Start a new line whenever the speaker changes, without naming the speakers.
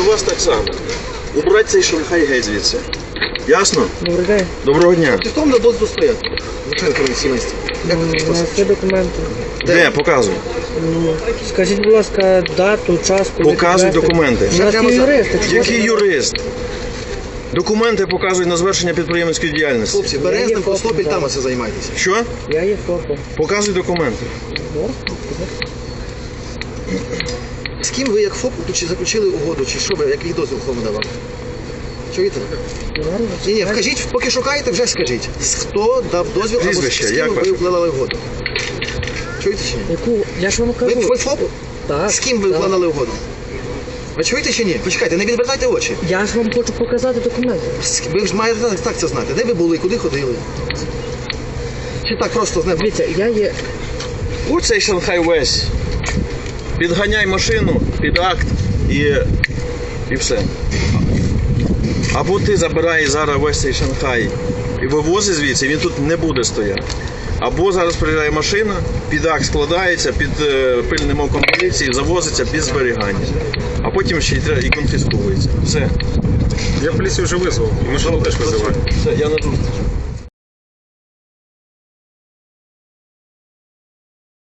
до вас так само. Убрати цей Шанхай геть звідси. Ясно?
Добрий день.
Доброго дня.
Ти в тому дозволу стояти. Звичайно, комісійності. Як ви
У нас є документи.
Де? Показуй.
Ну, скажіть, будь ласка, дату, час, коли
Показуй
підвезти.
документи.
У нас є юристи. чого
Який
ви-
юрист? Документи показують на завершення підприємницької діяльності.
Хлопці,
Я
Березним,
є
Костопіль,
фото,
там
так.
оце займайтеся.
Що?
Я є ФОПом.
Показуй документи.
З ким ви як ФОП чи заключили угоду, чи що ви, який дозвіл кому давав? Чуєте? Ні, вкажіть, поки шукаєте, вже скажіть. Хто дав дозвіл або з
Прізвище,
ким
як
ви
ваше?
укладали угоду? Чуєте чи ні?
Яку? Я ж вам
Ви,
кажу.
ви ФОП?
Так.
З ким ви
так.
укладали угоду? Ви чуєте чи ні? Почекайте, не відвертайте очі.
Я ж вам хочу показати документи.
Ви ж маєте так це знати. Де ви були, куди ходили? Чи так просто з неба?
Дивіться, я є...
Ось цей Шанхай весь. Підганяй машину під акт і все. Або ти забираєш зараз весь цей Шанхай і вивозиш звідси, він тут не буде стояти. Або зараз приїжджає машина, під акт складається, під пильним оком поліції, завозиться без зберігання. А потім ще і конфісковується. Все.
Я поліцію вже визвав, і машину теж визиваю.
Все, я на зустріч.